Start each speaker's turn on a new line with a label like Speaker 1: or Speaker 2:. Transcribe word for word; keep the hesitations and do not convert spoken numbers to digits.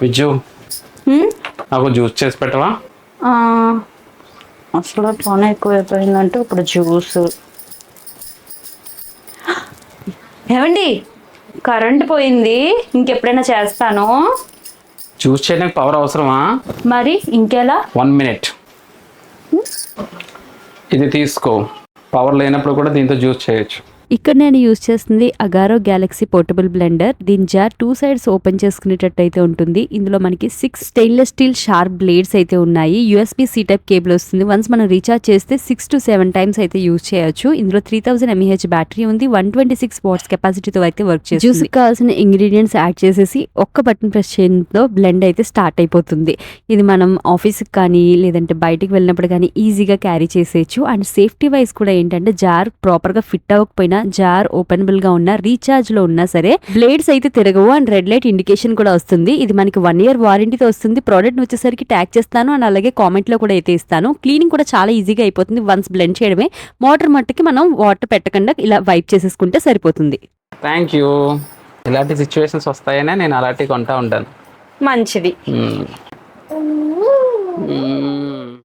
Speaker 1: విజ్జు నాకు జ్యూస్ చేసి పెట్టవా?
Speaker 2: అసలు పని ఎక్కువైపోయిందంటే ఇప్పుడు జ్యూస్. ఏమండి కరెంట్ పోయింది, ఇంకెప్పుడైనా చేస్తాను.
Speaker 1: జ్యూస్ చేయడానికి పవర్ అవసరమా?
Speaker 2: మరి ఇంకెలా?
Speaker 1: వన్ మినిట్ ఇది తీసుకో. పవర్ లేనప్పుడు కూడా దీంతో జ్యూస్ చేయొచ్చు.
Speaker 3: ఇక్కడ నేను యూజ్ చేస్తుంది అగారో గ్యాలక్సీ పోర్టబుల్ బ్లెండర్. దీని జార్ టూ సైడ్స్ ఓపెన్ చేసుకునేటట్టు అయితే ఉంటుంది. ఇందులో మనకి six stainless steel sharp blades అయితే ఉన్నాయి. యూఎస్బీ సి టైప్ కేబుల్ వస్తుంది. వన్స్ మనం రీఛార్జ్ చేస్తే సిక్స్ టు సెవెన్ టైమ్స్ అయితే యూజ్ చేయొచ్చు. ఇందులో త్రీ థౌసండ్ ఎంఏహెచ్ బ్యాటరీ ఉంది. వన్ ట్వంటీ సిక్స్ వాట్స్ కెపాసిటీతో అయితే వర్క్ చేస్తుంది. జ్యూస్ కావాల్సిన ఇంగ్రీడియంట్స్ యాడ్ చేసేసి ఒక్క బటన్ ప్రెస్ చేయడంతో బ్లెండ్ అయితే స్టార్ట్ అయిపోతుంది. ఇది మనం ఆఫీస్కి కానీ లేదంటే బయటికి వెళ్ళినప్పుడు కానీ ఈజీగా క్యారీ చేసేయచ్చు. అండ్ సేఫ్టీ వైజ్ కూడా ఏంటంటే జార్ ప్రాపర్గా ఫిట్ అవ్వకపోయినా, జార్ ఓపెనబుల్ గా ఉన్నా, రీఛార్జ్ లో ఉన్నా సరే బ్లేడ్స్ అయితే తిరగవు. అండ్ రెడ్ లైట్ ఇండికేషన్ కూడా వస్తుంది. ఇది మనకి వన్ ఇయర్ వారంటీతో వస్తుంది. ప్రోడక్ట్ వచ్చేసరికి ట్యాగ్ చేస్తాను అండ్ అలాగే కామెంట్ లో కూడా అయితే ఇస్తాను. క్లీనింగ్ కూడా చాలా ఈజీగా అయిపోతుంది. వన్స్ బ్లెండ్ చేయడమే. మోటార్ మట్టుకి మనం వాటర్ పెట్టకుండా ఇలా వైప్ చేసేసుకుంటే సరిపోతుంది.
Speaker 1: Thank you. ఇలాంటి సిచ్యువేషన్స్ వస్తాయనే నేను అలాంటివి కొంటా ఉంటాను.
Speaker 2: మంచిది.
Speaker 1: మ్మ్. మ్మ్.